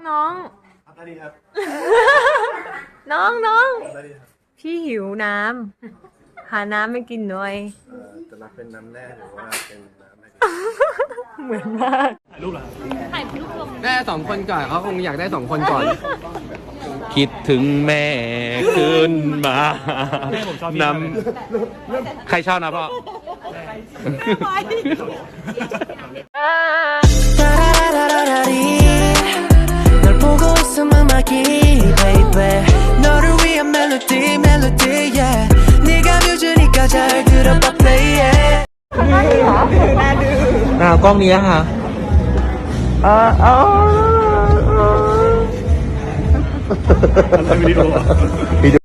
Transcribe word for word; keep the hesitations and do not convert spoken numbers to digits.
น้องได้ดีครับน้องน้องได้ดีครับพี่หิวน้ำหาน้ำไม่กินหน่อยเอ่อจะรับเป็นน้ำแร่หรือว่าเป็นน้ำอะไรดีเหมือนมากถ่ายรูปเหรอได้สองคนก่อนเขาคงอยากได้สองคนก่อนคิดถึงแม่ขึ้นมาแม่ผมชอบนำใครชอบนะพ่อ 널 보고 있으면 막이 baby 너를 위한 멜로디 멜로디 yeah 네가 뮤즈니까 잘 들어봐 play it หน้ากล้องนี้ค่ะอ่าอ๋อทำวิดีโอ